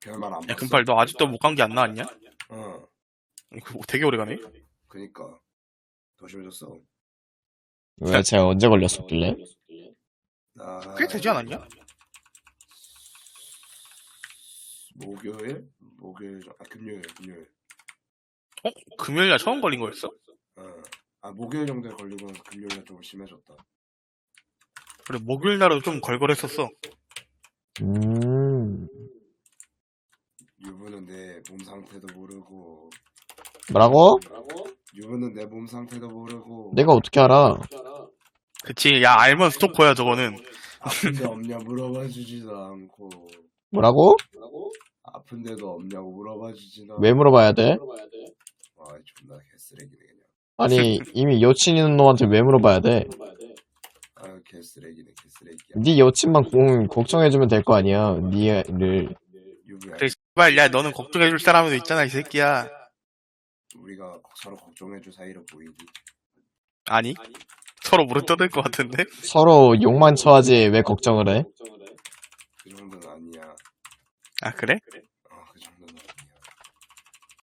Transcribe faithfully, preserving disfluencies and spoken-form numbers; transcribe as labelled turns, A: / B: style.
A: 별말 안
B: 야,
A: 봤어?
B: 금팔, 너 아직도 못 간 게 안 나왔냐?
A: 어.
B: 이거 되게 오래 가네?
A: 그니까 더 심해졌어.
C: 왜 제가 언제 걸렸었길래?
A: 나
B: 꽤 되지 않았냐?
A: 목요일? 목요일 정- 아 금요일 금요일.
B: 어? 금요일날 처음 걸린 거였어?
A: 어. 아 목요일 정도에 걸리고 나서 금요일날 좀 심해졌다.
B: 그래, 목요일날은 좀 걸걸했었어.
C: 음,
A: 유부는 내 몸 상태도 모르고
C: 뭐라고?
A: 유부는 내 몸 상태도 모르고
C: 내가 어떻게 알아?
B: 그치, 야, 알면 스토커야, 저거는.
A: 아픈데 없냐 물어봐 주지도 않고
C: 뭐라고?
A: 아픈데도 없냐고 물어봐 주지도
C: 왜 물어봐야 돼?
A: 아 존나 개쓰레기네 그냥.
C: 아니, 이미 여친 있는 놈한테 왜 물어봐야 돼?
A: 아 개쓰레기네 개쓰레기야.
C: 네 여친만 공, 걱정해주면 될 거 아니야, 니를.
A: 유부야
B: 그래, 씨발, 야, 너는 걱정해줄 사람도 있잖아, 이 새끼야.
A: 우리가 서로 걱정해줄 사이로 보이니.
B: 아니? 서로 무릎 떠들 것 같은데?
C: 서로 욕만 쳐하지 왜 걱정을 해?
A: 그 정도는 아니야.
B: 아, 그래?
A: 어, 그 정도는 아니야.